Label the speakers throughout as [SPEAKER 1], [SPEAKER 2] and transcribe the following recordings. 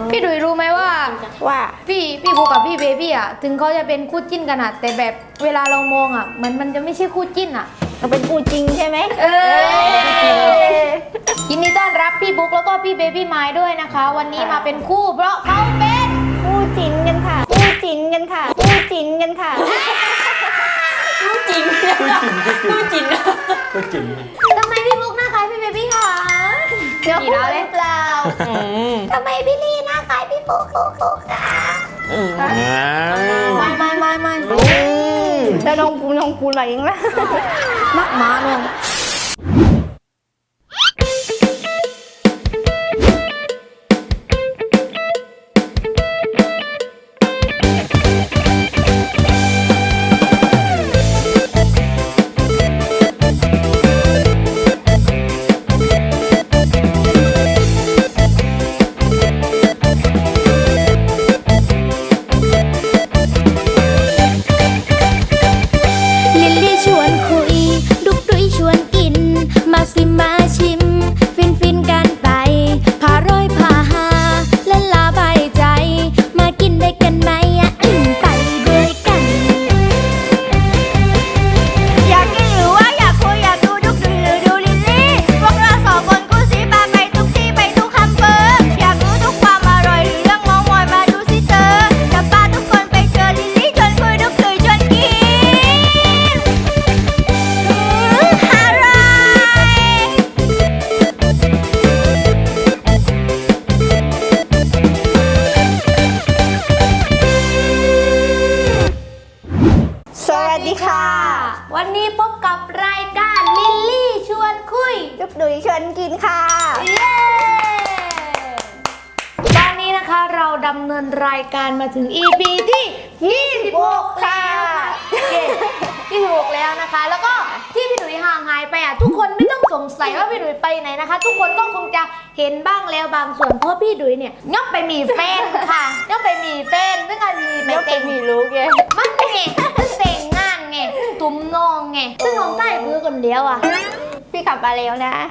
[SPEAKER 1] พี่ดุยรู้ไหมว่าพี่บูกับพี่เบบี้อ่ะถึงเขาจะเป็นคู่จิ้นกันอ่ะแต่แบบเวลาเรามองอ่ะมันจะไม่ใช่คู่จิ้นอ่ะ
[SPEAKER 2] มันเป็นคู่จริงใช่ไหม
[SPEAKER 1] ยินดีต้อนรับพี่บุ๊กแล้วก็พี่เบบี้ไม้ด้วยนะคะ วันนี้มาเป็นคู่เพราะเขาเป็น
[SPEAKER 2] คู่จริงกันค่ะคู่จริงกันค่ะคู่จริงกันค่ะ
[SPEAKER 3] คู่จริงคู่จริงคู่จริง
[SPEAKER 1] ทำไมพี่บุ๊กหน้าคล้ายพี่เบบี้คะ
[SPEAKER 2] เดี๋ยวคู่หรือเปล่า
[SPEAKER 1] ทำไมพี่ลี่หน้าคล้ายพี่บุ๊กคะไม่
[SPEAKER 2] แล้วน้องปูอะไรเองล่ะ
[SPEAKER 1] มักมาน้อง
[SPEAKER 4] มาชิมฟินกันไปพาร้อยพาหาและลาบายใจมากินได้กันไหมไปด้วยกัน
[SPEAKER 2] อยากกินหรือว่าอยากคุยอยากดูดุกดุยหรือดูลิลลี่พวกเราสองคนคู่สีปาไปทุกที่ไปทุกอำเภออยากรู้ทุกความอร่อยหรือเรื่องเมามอยมาดูสิเธอจะพาทุกคนไปเจอลิลลี่ชวนคุยดุกดุยชวนกินสวัสดีค่ะ
[SPEAKER 1] วันนี้พบกับรายการลิลลี่ชวนคุย
[SPEAKER 2] ดุกดุยชวนกินค่ะ
[SPEAKER 1] เย้ตอนนี้นะคะเราดำเนินรายการมาถึง EP ที่26แล้ว26แล้วนะคะแล้วก็ที่พี่ดุยห่างหายไปทุกคนไม่ต้องสงสัยว่าพี่ดุยไปไหนนะคะทุกคนก็คงจะเห็นบ้างแล้วบางส่วนเพราะพี่ดุยเนี่ยย่อมไปมีแฟนค่ะย่อมไปมีแฟนซึ่งอันนี้ไม่เต็ม
[SPEAKER 2] มีรู้ไง
[SPEAKER 1] มันไงซึ่งแต่งงานไงตุ้มน้องไงซึ่งน้องใต้คือคนเดียว
[SPEAKER 2] พี่กลับมาแล้วนะ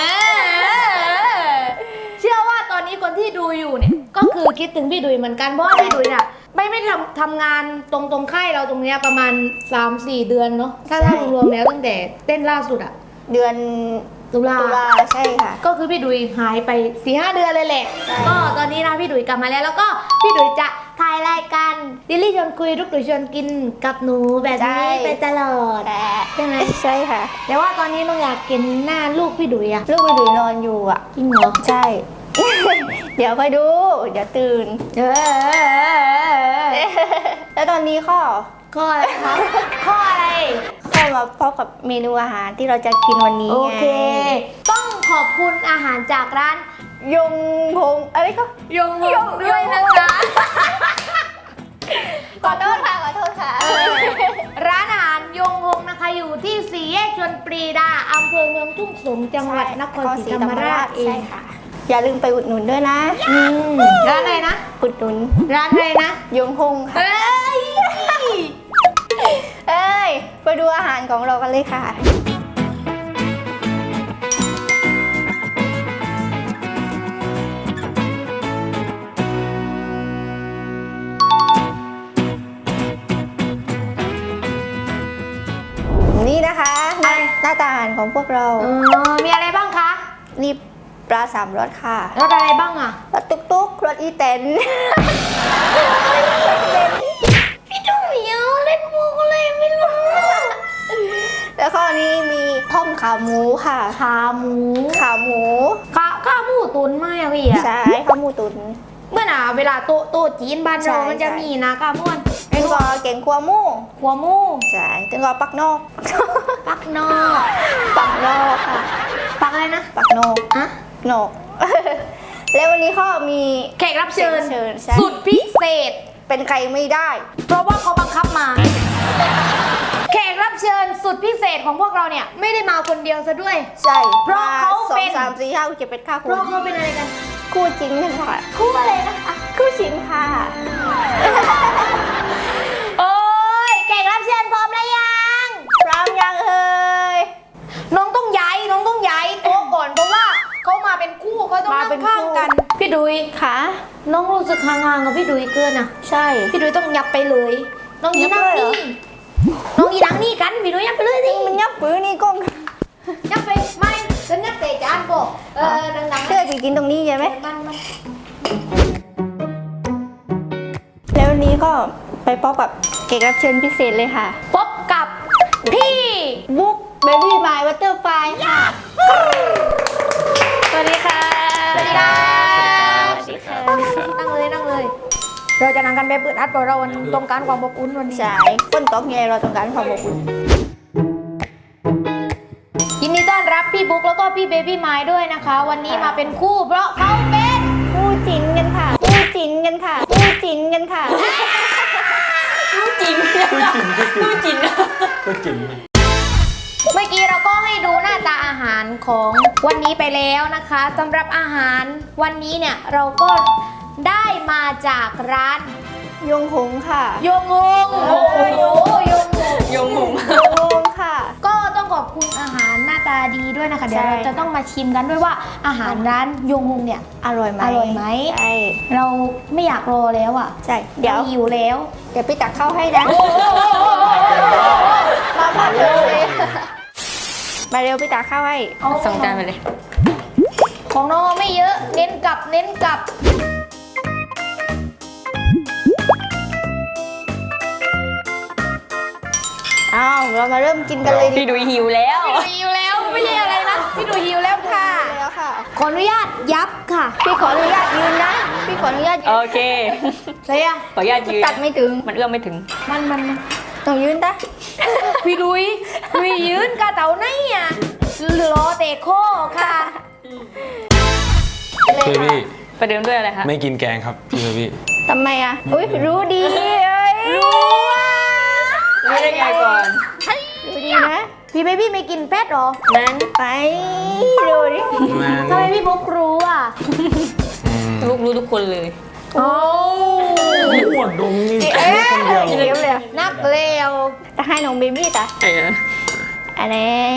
[SPEAKER 1] เชื่อว่าตอนนี้คนที่ดูอยู่เนี่ยก็คือคิดถึงพี่ดุยเหมือนกันเพราะว่าพี่ดุยเนี่ยไม่ทำงานตรงค่ายเราตรงเนี้ยประมาณ 3-4 เดือนเนาะถ้ารวมแล้วตั้งแต่เต้นล่าสุด
[SPEAKER 2] เดือน
[SPEAKER 1] ตุลา
[SPEAKER 2] ใช่ค่ะ
[SPEAKER 1] ก็คือพี่ดุยหายไป 4-5 เดือนเลยแหละก็ตอนนี้นะพี่ดุยกลับมาแล้วก็พี่ดุยจะถ่ายรายการลิลลี่ชวนคุยดุกดุยชวนกินกับหนูแบบนี้ไปตลอดใช่ไหม
[SPEAKER 2] ใช่ค่ะ
[SPEAKER 1] แต่ว่าตอนนี้น้องอยากกินหน้าลูกพี่ดุย
[SPEAKER 2] ลูกพี่ดุยนอนอยู่
[SPEAKER 1] จริงเหรอ
[SPEAKER 2] ใช่เดี๋ยวค่อยดูเดี๋ยวตื่นแล้วตอนนี้ข้อ
[SPEAKER 1] อะไรครับข้ออะไร
[SPEAKER 2] ข้อมาพบกับเมนูอาหารที่เราจะกินวันนี้
[SPEAKER 1] โอเคต้องขอบคุณอาหารจากร้าน
[SPEAKER 2] ยงพงอะไรก็
[SPEAKER 1] ยงพงด้วยนะคะ
[SPEAKER 2] ขอโทษค่ะ
[SPEAKER 1] ร้านอาหารยงพงนะคะอยู่ที่4 แยกชลปรีดาอำเภอเมืองทุ่งสงศ์จังหวัดนครศรีธรรมราชเอง
[SPEAKER 2] ค่ะอย่าลืมไปอุดหนุนด้วยนะ
[SPEAKER 1] ร้านอะไรนะ
[SPEAKER 2] อุดหนุน
[SPEAKER 1] ร้านอะไรนะ
[SPEAKER 2] ยงพงค่ะไปดูอาหารของเรากันเลยค่ะนี่นะคะหน้าตาอาหารของพวกเรา
[SPEAKER 1] มีอะไรบ้างคะ
[SPEAKER 2] นี่ปลา3 รสค่ะ
[SPEAKER 1] รสอะไรบ้าง
[SPEAKER 2] รสตุ๊กรสอีเต็น
[SPEAKER 1] พี่ดุยเล่นมุกอะไรไม่รู้
[SPEAKER 2] แล้วข้อนี้มีต้มขาหมูค่ะ
[SPEAKER 1] ขาหมูตุ๋นไหมพี่
[SPEAKER 2] ใช่ขาหมูตุ๋น
[SPEAKER 1] เมื่อเวลาโต๊ะจีนบ้านเรามันจะมีนะขาหมู
[SPEAKER 2] เป็นก็เก่งขัวหมูใช่ถึงก็ปักนอกค่ะ
[SPEAKER 1] ปักอะไรนะ
[SPEAKER 2] ปักนอกนอกแล้ววันนี้เขามี
[SPEAKER 1] แขกรับเชิญสุดพิเศษ
[SPEAKER 2] เป็นใครไม่ได้
[SPEAKER 1] เพราะว่าเขาบังคับมาแขกรับเชิญสุดพิเศษของพวกเราเนี่ยไม่ได้มาคนเดียวซะด้วย
[SPEAKER 2] ใช่
[SPEAKER 1] เพราะเขาเป็น
[SPEAKER 2] 2 3 4 5 6 7 8 9
[SPEAKER 1] เพราะเขาเป็นอะไรกัน
[SPEAKER 2] คู่จริงค่ะ
[SPEAKER 1] คู่อะไรนะคะ
[SPEAKER 2] คู่จริงค่ะ
[SPEAKER 1] โอ้ยแขกรับเชิญพร้อมแล้วยังน้องต้องย้ายโต๊ะก่อนเพราะว่าเขามาเป็นคู่เขาต้องนั่งข้างกันพี่พี่ดุย
[SPEAKER 2] ค่ะ
[SPEAKER 1] น้องรู้สึกห่างๆกับพี่ดุยเกินอ่ะ
[SPEAKER 2] ใช่
[SPEAKER 1] พี่ดุยต้องยับไปเลย น้องยีนั่ง
[SPEAKER 2] ยับเลยเหรอ
[SPEAKER 1] นี่น้องยีนั่งนี่กันพี่ดุยยับไปเลยสิ
[SPEAKER 2] มันยับปื้อนี่กล้อง
[SPEAKER 1] ยับไปไม่ฉันยับเตะจานบอกดังๆ
[SPEAKER 2] เพื่อจะกินตรงนี้ใช่ไหม
[SPEAKER 1] มัน
[SPEAKER 2] แล้ววันนี้ก็ไปพบกับแขกรับเชิญพิเศษเลยค่ะ
[SPEAKER 1] พบกับพี่
[SPEAKER 2] บุ๊กเบบี้มายวัตเตอร์ไฟค่ะ
[SPEAKER 1] สวัสดีค่ะ
[SPEAKER 2] สวัสดีค่ะ
[SPEAKER 1] นั่งเลยนั่งเลย เราจะนั่งกันแบบอึดอัดเพราะเราต้องการความอบอุ่นวันนี้
[SPEAKER 2] ใช่คนตกไงเราต้องการความอบอุ่น
[SPEAKER 1] ยินดีต้อนรับพี่บุ๊กแล้วก็พี่เบบี้ไม้ด้วยนะคะ วันนี้มาเป็นคู่เพราะเขาเป็น
[SPEAKER 2] คู่จินกันค่ะ คู่จินกันค่ะ คู่จินกันค่ะ
[SPEAKER 3] คู่จริงคู่จริง
[SPEAKER 5] ก็จริง
[SPEAKER 1] เมื่อกี้เราก็ให้ดูหน้าตาอาหารของวันนี้ไปแล้วนะคะสำหรับอาหารวันนี้เนี่ยเราก็ได้มาจากร้าน
[SPEAKER 2] ยงหงค่ะ
[SPEAKER 1] โยงงโอ้โหโยงง
[SPEAKER 3] ยงหง
[SPEAKER 2] ยงหงค่ะ
[SPEAKER 1] ก็ต้องขอบคุณอาหารหน้าตาดีด้วยนะคะเดี๋ยว
[SPEAKER 2] ใช่
[SPEAKER 1] เราจะต้องมาชิมกันด้วยว่าอาหารร้านโยงงเนี่ย
[SPEAKER 2] อร่อยไหม
[SPEAKER 1] อร่อยไหม
[SPEAKER 2] ใช่
[SPEAKER 1] เราไม่อยากรอแล้วอ่ะ
[SPEAKER 2] ใช่ เดี๋ยว
[SPEAKER 1] ราหิวแล้ว
[SPEAKER 2] เดี๋ยวพี่ตักเข้าให้นะ มาเร็วมาเร็วพี่ตักเข้าให้
[SPEAKER 3] สองจานไปเลย
[SPEAKER 1] ของน้องไม่เยอะเน้นกลับเน้นกลับ
[SPEAKER 2] อ้าวเรามาเริ่มกินกันเลยดี
[SPEAKER 3] พี่ดุยหิวแล้ว
[SPEAKER 1] พี่ดูหิวแล้วไม่ใช่อะไรนะพี่ดูหิวแล้วค่ะ
[SPEAKER 2] แล้วค่ะ
[SPEAKER 1] ขออนุญาตยับค่ะ
[SPEAKER 2] พี่ขออนุญาตยืนนะ พี่ขออนุญาตยื
[SPEAKER 3] โอน เค
[SPEAKER 1] อะไรอ่ะ
[SPEAKER 3] ขออนุญาตยืน
[SPEAKER 2] ตัดไม่ถึง
[SPEAKER 3] มันเอื้อมไม่ถึง
[SPEAKER 1] มัน
[SPEAKER 2] ต้องยืนตะ
[SPEAKER 1] พี่ดุยยืนกะเต่าไหนอ่ะรอเตะโคค่ะ
[SPEAKER 5] เบบี้
[SPEAKER 3] ประเดิมด้วยอะไรคะ
[SPEAKER 5] ไม่กินแกงครับพี่เบบี้
[SPEAKER 2] ทำไมอ่ะ อุ้ยรู้ดีเอ้ย
[SPEAKER 1] รู้ว่า
[SPEAKER 3] รู้ได้ไงก่อน
[SPEAKER 2] รู้ดีนะ
[SPEAKER 1] พี่เบบี้ไม่กินแพทหรอ
[SPEAKER 3] นั้น
[SPEAKER 2] ไปดูดิ
[SPEAKER 1] ทำไมพี่บุ๊กรู้อ่ะ
[SPEAKER 3] ลูกรู้ทุกคนเลย
[SPEAKER 1] โอ้
[SPEAKER 5] หมดดงนี่
[SPEAKER 2] เอ๊ะเลี้ยวเลยอะ
[SPEAKER 1] นักเลว
[SPEAKER 2] จะให้น้องเบบี้ตะ
[SPEAKER 3] เออ
[SPEAKER 2] อะไร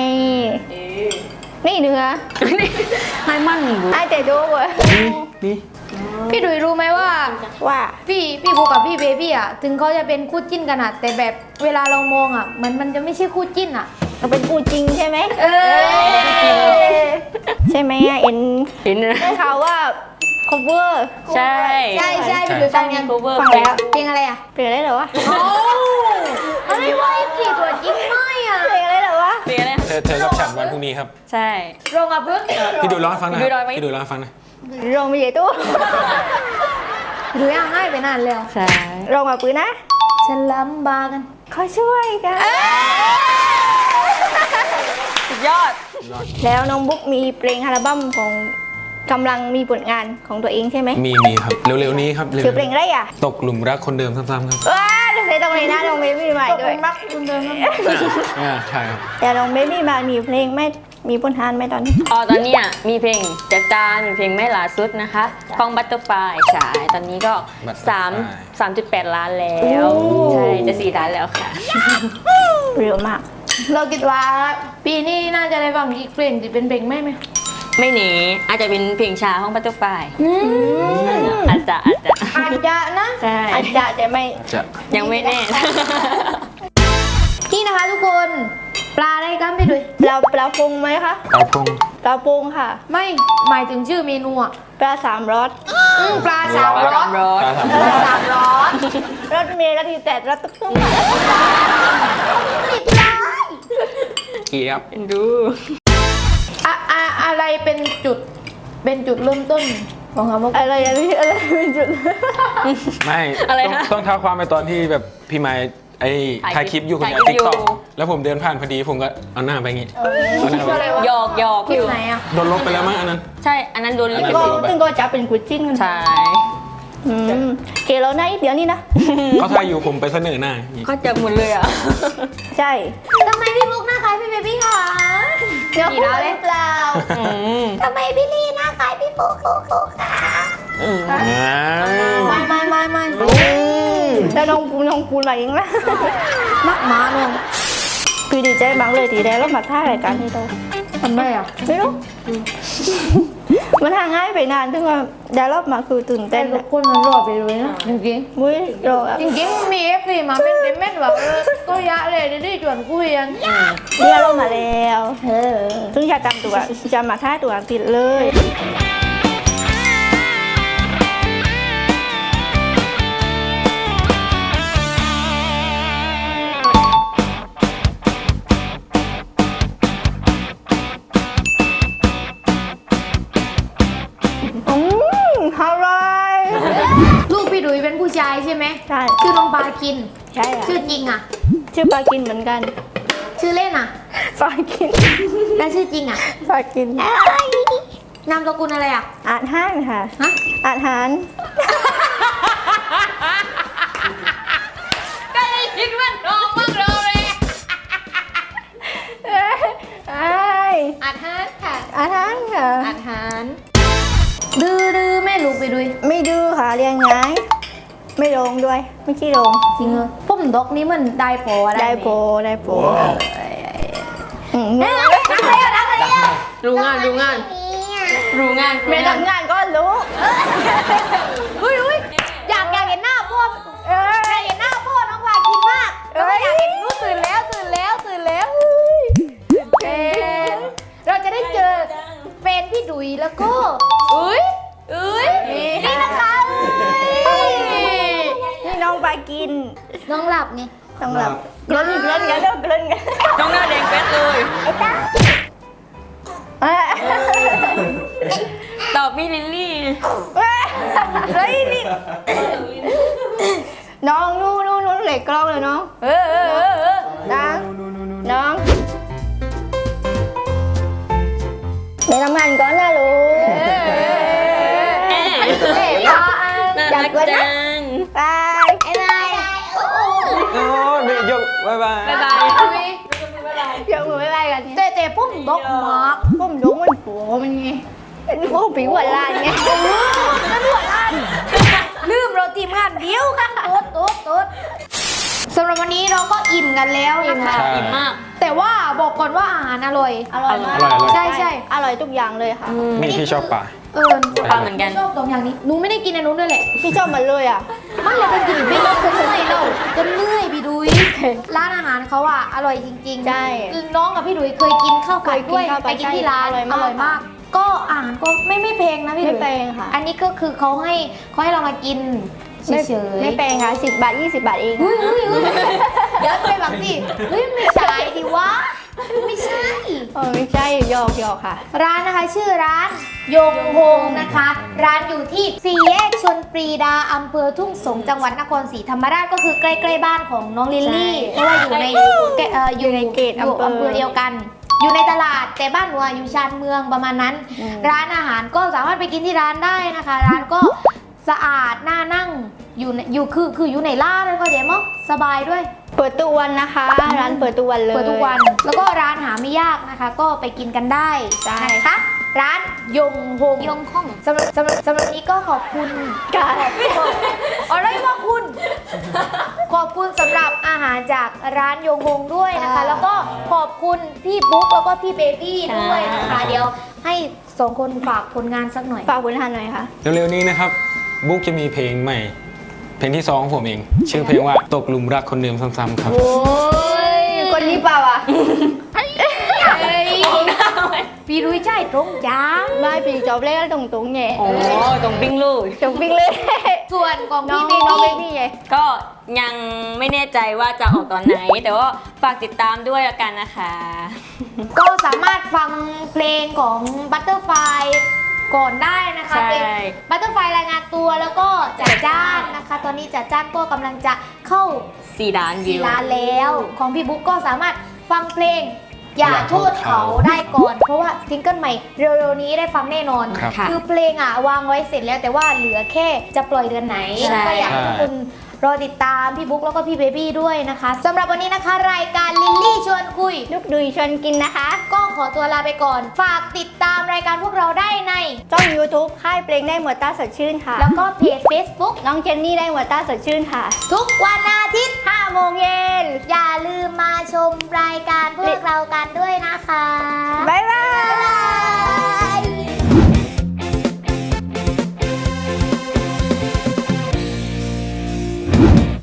[SPEAKER 2] นี่เนื้อ
[SPEAKER 3] ให้มั่นบุ
[SPEAKER 2] ไอ้แต่ดูเว้ย
[SPEAKER 5] นี่
[SPEAKER 1] พี่ดุยรู้ไหมว่า
[SPEAKER 2] ว่า
[SPEAKER 1] พี่บุ๊กกับพี่เบบี้อ่ะถึงเขาจะเป็นคู่จิ้นกันอ่ะแต่แบบเวลาเรามองอ่ะมันจะไม่ใช่คู่จิ้นอ่ะ
[SPEAKER 2] เราเป็นกูจริงใช่ไหม
[SPEAKER 1] เออ
[SPEAKER 2] ใช่ไหมอ่ะเอ็น
[SPEAKER 3] เห็นนะ
[SPEAKER 2] ได้ข่าวว่า cover
[SPEAKER 3] ใช่
[SPEAKER 1] ใช่พี่ดุยฟังยัง
[SPEAKER 3] cover
[SPEAKER 2] ฟังแล้ว
[SPEAKER 1] เพลงอะไรอ่ะ
[SPEAKER 2] เพลงอะไรเหรอวะ
[SPEAKER 1] โอ้อะไรวะกี่ตัวจริงไม่อ่ะ
[SPEAKER 2] เพลงอะไรเหรอวะ
[SPEAKER 3] เป็นอะไร
[SPEAKER 5] เธอกับฉันวันพรุ่งนี้ครับ
[SPEAKER 3] ใช่
[SPEAKER 1] โรงกับเพิ่ง
[SPEAKER 5] พี่ดูร้องให้ฟังหนะ
[SPEAKER 3] พี่ดูร้องไหม
[SPEAKER 5] พี่ดูร้องให้ฟังหนะ
[SPEAKER 2] โรงมีใหญ่ตู้
[SPEAKER 1] หรือยังให้ไปนานแล้ว
[SPEAKER 3] ใช่
[SPEAKER 2] โรงมาปืนนะ
[SPEAKER 1] ฉันลำบากกัน
[SPEAKER 2] เขาช่วยกัน
[SPEAKER 3] สุดยอด
[SPEAKER 2] แล้วน้องบุ๊กมีเพลงอัลบั้มของกำลังมีผลงานของตัวเองใช่ไหม
[SPEAKER 5] มีครับ เร็วๆนี้ครับเร็ว
[SPEAKER 2] คือเพลงอะไรอ่ะ
[SPEAKER 5] ตกหลุมรักคนเดิมซ้ำๆครับ
[SPEAKER 2] ว้าจะใส่ตรงนี้นะน้องเบบี้ใหม่
[SPEAKER 1] ตก
[SPEAKER 2] ด้วย
[SPEAKER 1] รักคุณเดิมนะ
[SPEAKER 5] ใช่ครับ
[SPEAKER 2] แต่น้องเบบี้มามีเพลงไหม่มีผลงานไหมตอนนี้
[SPEAKER 3] ตอนเนี้ยมีเพลงจัดจานมีเพลงแม่หลาสุดนะคะของบัตเตอร์ไฟใช่ตอนนี้ก็ 3.8 ล้านแล้วใช่จะ4 ล้านแล้วค่ะ
[SPEAKER 2] เร็วมาก
[SPEAKER 1] เราคิดว่าปีนี้น่าจะได้ฟังอีกเพลงที่เป็นเพลงไหม
[SPEAKER 3] ไม่หนีอาจจะเป็นเพลงช้าของบัตเตอร์ไฟ อาจจะ
[SPEAKER 1] อาจจะนะ
[SPEAKER 3] ใช่
[SPEAKER 2] อาจจะแต่ไม่
[SPEAKER 5] จะ
[SPEAKER 3] ยังไม่แน่
[SPEAKER 1] นี่นะคะทุกคนปลาอะไรกันพี่ดุย
[SPEAKER 2] ปลาปรุงไหมคะ
[SPEAKER 5] เอาพง
[SPEAKER 2] ปลาปรุงค่ะ
[SPEAKER 1] ไม่หมายถึงชื่อเมนูอ่ะ
[SPEAKER 2] ปลาสามรส
[SPEAKER 1] ปลาสามรส
[SPEAKER 3] ร้อน
[SPEAKER 5] ตาถาม
[SPEAKER 1] ปลาสามรส
[SPEAKER 2] รสเมล์รสที่แตดรสตุ๊กตุ๊กค่ะ
[SPEAKER 5] เกียบ
[SPEAKER 3] ดู
[SPEAKER 1] อะไรเป็นจุดเริ่มต้นของคำว่า
[SPEAKER 2] อะไรอย่างนี้อะไรเป็นจุด
[SPEAKER 5] ไม่
[SPEAKER 3] อะไร
[SPEAKER 5] ต้อง
[SPEAKER 3] นะ
[SPEAKER 5] ต้องเท้าความไปตอนที่แบบพี่ไม้ไอ้
[SPEAKER 3] ถ่า
[SPEAKER 5] ถ่าย ย
[SPEAKER 3] ค
[SPEAKER 5] ค
[SPEAKER 3] ลิ
[SPEAKER 5] ลิ
[SPEAKER 3] ป
[SPEAKER 5] ปอยู่คนเดียว
[SPEAKER 3] ถ่ายคลิ
[SPEAKER 5] ติ๊
[SPEAKER 3] ป
[SPEAKER 5] กต็อก
[SPEAKER 3] อยู่
[SPEAKER 5] แล้วผมเดินผ่านพอดีผมก็เอาหน้าไปงี้เอาหน้าไป
[SPEAKER 1] อะไรวะ
[SPEAKER 3] หยอก
[SPEAKER 1] คลิ
[SPEAKER 3] อ
[SPEAKER 1] ป
[SPEAKER 3] ยู่
[SPEAKER 1] ไหนอ่ะ
[SPEAKER 5] โดนลบไปแล้วมั้งอันนั้น
[SPEAKER 3] ใช่ อันนั้นโดนลิข
[SPEAKER 2] ก็
[SPEAKER 3] สิทธิ์
[SPEAKER 2] ซึ่งก็จะเป็นกุจิ้นกัน
[SPEAKER 3] ใช่
[SPEAKER 2] เกเราหน้าอีกเดี๋ยวนี้นะ
[SPEAKER 5] เขาถ่ายอยู่ผมไปเสนอหน้าอย่างงี้
[SPEAKER 3] ก็จะหมดเลยอ่ะ
[SPEAKER 2] ใช่
[SPEAKER 1] ทำไมพี่บุ๊กหน้าคล้ายพี่เบบี้คะ
[SPEAKER 2] เดี๋ยว
[SPEAKER 1] กี่
[SPEAKER 2] พูด
[SPEAKER 1] ดาว
[SPEAKER 2] ห
[SPEAKER 1] เลย
[SPEAKER 2] รือเปล่า
[SPEAKER 3] อืม
[SPEAKER 1] ทำไมพี่ลี่หน้าคล้ายพี่บุ๊กคะ
[SPEAKER 3] อืม
[SPEAKER 5] อ้าว
[SPEAKER 1] ไม่
[SPEAKER 2] แล้วน้องปูนมาเองนะ
[SPEAKER 1] มักหมาน้อง
[SPEAKER 2] พี่ดีใจมากเลยทีแรกเรามาท่ารายการนี้เรา
[SPEAKER 1] ทำไมอ่ะ
[SPEAKER 2] ไม่รู้มันห่างง่ายไปนานถึงว่าได้รอบมาคือตื่น
[SPEAKER 1] แต่
[SPEAKER 2] เต้น
[SPEAKER 1] ทุกคนมันรอไปเลยนะจริง
[SPEAKER 2] มุ้ยรอ
[SPEAKER 1] ๆจริงๆมีเอฟซีมาเป็นเม็ดแบบก็ยะเลยได้ชวนคุยกัน
[SPEAKER 2] เนี่ยรอบมาแล้วซึ่งอยากจำตัวจะมาท่าตัวติดเลย อร่อย
[SPEAKER 1] ลูกพี่ดุยเป็นผู้ชายใช่ไหม
[SPEAKER 2] ใช่
[SPEAKER 1] ชื่อน้องปาคิน
[SPEAKER 2] ใช่ค่ะ
[SPEAKER 1] ชื่อจริงอ่ะ
[SPEAKER 2] ชื่อปลากินเหมือนกัน
[SPEAKER 1] ชื่อเล่นอ่ะ
[SPEAKER 2] ปลากิน
[SPEAKER 1] แล้วชื่อจริงอ่ะ
[SPEAKER 2] ปลากิน
[SPEAKER 1] นามสกุลอะไรอ่ะ
[SPEAKER 2] อาหารค่ะ
[SPEAKER 1] ฮะ
[SPEAKER 2] อาหาร
[SPEAKER 1] ก็เลยคิดว่าน้องมึงรอเลย
[SPEAKER 2] ไอ้
[SPEAKER 1] อาหารค่ะ
[SPEAKER 2] อาหารค่ะ
[SPEAKER 1] อาหารดื้อแม่ลูกไปดุย
[SPEAKER 2] ไม่ดื้อค่ะเรียนง่ายไม่ลงด้วย ไม่ขี้ลง
[SPEAKER 1] จริงเหรอผมดอกนี้มันได้พออะไร
[SPEAKER 2] ได้โปรได้โปรอืม
[SPEAKER 1] นักเลยนักเลย
[SPEAKER 3] รู้งานรู้งานรู้งาน
[SPEAKER 2] ไม่ทำงานก็รู้
[SPEAKER 1] อุ้ยอยากเห็นหน้าพ่ออยากเห็นหน้าพ่อน้องปาคินมากแล้วก็อยากเห็นลูกตื่นแล้วเราจะได้เจอแฟนพี่ดุยแล้วก็นี่นะคะ
[SPEAKER 2] นี่น้องปลากิน
[SPEAKER 1] น้องหลับไง
[SPEAKER 2] ต้องแบบเกลิ้นกันเด้อเกลิ้นกัน
[SPEAKER 3] น้องหน้าแดงแป๊ดเลย ตอบพี่ลิลลี่
[SPEAKER 2] เฮ้ยนี่น้องนู่นเหล็กกล้องเลยน้องน้องไปทำงานก่อนนะลูก
[SPEAKER 3] น่ารักจัง
[SPEAKER 2] บาย
[SPEAKER 5] โอ้ยไม่ยกบ๊ายบาย
[SPEAKER 3] บ๊ายบาย
[SPEAKER 2] ยกมือบ๊ายบายกัน
[SPEAKER 1] แต่ผมดอกมาก
[SPEAKER 2] ผมรู้มันผัวมันไงเป็นพวกผีหัวล้านไง
[SPEAKER 1] ลืมเราทีมงานเดียวกันตุ๊ดสำหรับวันนี้เราก็อิ่มกันแล้วนะคะ
[SPEAKER 5] ใช่
[SPEAKER 3] อิ่มมาก
[SPEAKER 1] แต่ว่าบอกก่อนว่าอาหารอร่อย
[SPEAKER 2] อร่อยมาก
[SPEAKER 5] อร่อย
[SPEAKER 1] ใช่
[SPEAKER 2] อร่อยทุกอย่างเลยค่ะ
[SPEAKER 5] นี่พี่ชอบป่า
[SPEAKER 3] ปลาเหมือนกัน
[SPEAKER 1] ชอบตรงอย่างนี้หนูไม่ได้กินอันนู้นด้วยแหละ
[SPEAKER 2] พี่ชอบมันเลยอ่ะ
[SPEAKER 1] มันเราเป็นกินไม่เราจนเหนื่อยเราจนเหนื่อยพี่ดุยร้านอาหารเขาอะอร่อยจริงๆ
[SPEAKER 2] ใช่
[SPEAKER 1] น้องกับพี่ดุยเคยกินข้าวผัดด้วย
[SPEAKER 2] เคยกินข้าวผัด
[SPEAKER 1] ไปกินที่ร้าน
[SPEAKER 2] ใช่อร่อยมาก
[SPEAKER 1] ก็อาหารก็ไม่แพงนะพี่ดุ
[SPEAKER 2] ไม่
[SPEAKER 1] ย
[SPEAKER 2] แพงค่ะ
[SPEAKER 1] อันนี้ก็คือเขาให้เรามากินเฉยๆ
[SPEAKER 2] ไม่แพงค่ะ10 บาท 20 บาทเอง
[SPEAKER 1] เฮ้ยเดี๋ยวไปแบบสิเฮ้ยไม่ใช่ดิวะไม่ใช่
[SPEAKER 2] ไม่ใช่หยอกค่ะ
[SPEAKER 1] ร้านนะคะชื่อร้านยงฮงนะคะ ร้านอยู่ที่สี่แยกชลปรีดาอำเภอทุ่งสงจังหวัดนครศรีธรรมราชก็คือใกล้ๆบ้านของน้องลิลลี่
[SPEAKER 2] ใช่
[SPEAKER 1] เพราะว่าอยู่ในอยู่ใน
[SPEAKER 2] เขตอำเภอ
[SPEAKER 1] อำเภอเดียวกัน อยู่ในตลาดแต่บ้านหนูอะอยู่ชานเมืองประมาณนั้น ร้านอาหารก็สามารถไปกินที่ร้านได้นะคะ ร้านก็สะอาดน่านั่งอยู่คืออยู่ในร้านแล้วก็เดี๋ยวมั้งสบายด้วย
[SPEAKER 2] เปิดทุกวันนะคะ ร้านเปิดทุกวันเลย
[SPEAKER 1] เปิดทุกวัน แล้วก็ร้านหาไม่ยากนะคะ ก็ไปกินกันได้
[SPEAKER 2] ใช่
[SPEAKER 1] นะคะ ร้านยงฮงยงฮ่องสำหรับนี้ก็ขอบคุณ
[SPEAKER 2] ค่ะ
[SPEAKER 1] อะไรวะคุณ ขอบคุณสำหรับอาหารจากร้านยงฮงด้วยนะคะ แล้วก็ขอบคุณพี่บุ๊กแล้วก็พี่เบบี้ด้วยนะคะ เดี๋ยวให้สองคนฝากผลงานสักหน่อย
[SPEAKER 2] ฝากผลงานหน่อยค่ะ
[SPEAKER 5] เร็วๆนี้นะครับบุ๊กจะมีเพลงใหม่ เพลงที่2ของผมเอง ชื่อเพลงว่าตกหลุมรักคนเดิมซ้ำๆครับ
[SPEAKER 2] โอ้ยคนนี้เปล่าอ่ะ
[SPEAKER 1] พี่รุ้ยใช่ตรงจ้า
[SPEAKER 2] ไม่พี่จอบเล่นตรงๆไง
[SPEAKER 3] โอ้ตรงปิ้งเลย
[SPEAKER 2] จบปิ๊งเลย
[SPEAKER 1] ส่วนของ
[SPEAKER 2] น้อ
[SPEAKER 1] พี่
[SPEAKER 2] ง
[SPEAKER 1] เบ
[SPEAKER 2] น้องเบ
[SPEAKER 1] บี้
[SPEAKER 2] บี้ไง
[SPEAKER 3] ก็ยังไม่แน่ใจว่าจะออกตอนไหน แต่ว่าฝากติดตามด้วยละกันนะคะ
[SPEAKER 1] ก็สามารถฟังเพลงของ Butterfly ก่อนได้นะคะ
[SPEAKER 3] ใช่
[SPEAKER 1] เป็น Butterfly รายงานตัวแล้วก็จัดจ้านนะคะ ตอนนี้จัดจ้านก็กำลังจะเข้า
[SPEAKER 3] 4 ล้านวิว
[SPEAKER 1] 4 ล้านแล้ว ของพี่บุ๊กก็สามารถฟังเพลงอย่าโทษเขาได้ก่อน เพราะว่าซิงเกิลใหม่เร็วๆนี้ได้ฟังแน่นอน
[SPEAKER 5] ครับ
[SPEAKER 3] ค่ะ
[SPEAKER 1] คือเพลงอ่ะวางไว้เสร็จแล้วแต่ว่าเหลือแค่จะปล่อยเดือนไหน
[SPEAKER 3] ใช่
[SPEAKER 1] ก็อยากให้ทุกคนรอติดตามพี่บุ๊กแล้วก็พี่เบบี้ด้วยนะคะสำหรับวันนี้นะคะ รายการลิลลี่ชวนคุย
[SPEAKER 2] ลูกดุยชวนกินนะคะ
[SPEAKER 1] ก็ขอตัวลาไปก่อน ฝากติดตามรายการพวกเราได้ใน
[SPEAKER 2] ช่อง YouTube ค่ายเพลงได้หมวดตาสดชื่นค่ะ
[SPEAKER 1] แล้วก็เพจ Facebook
[SPEAKER 2] น้องเจนนี่ได้หมวดตาสดชื่นค่ะ
[SPEAKER 1] ทุกวันอาทิตย์
[SPEAKER 2] 5 โมงเย็น
[SPEAKER 1] อย่าลืมมาชมรายการพวกเรากันด้วยนะคะ
[SPEAKER 2] บ๊ายบาย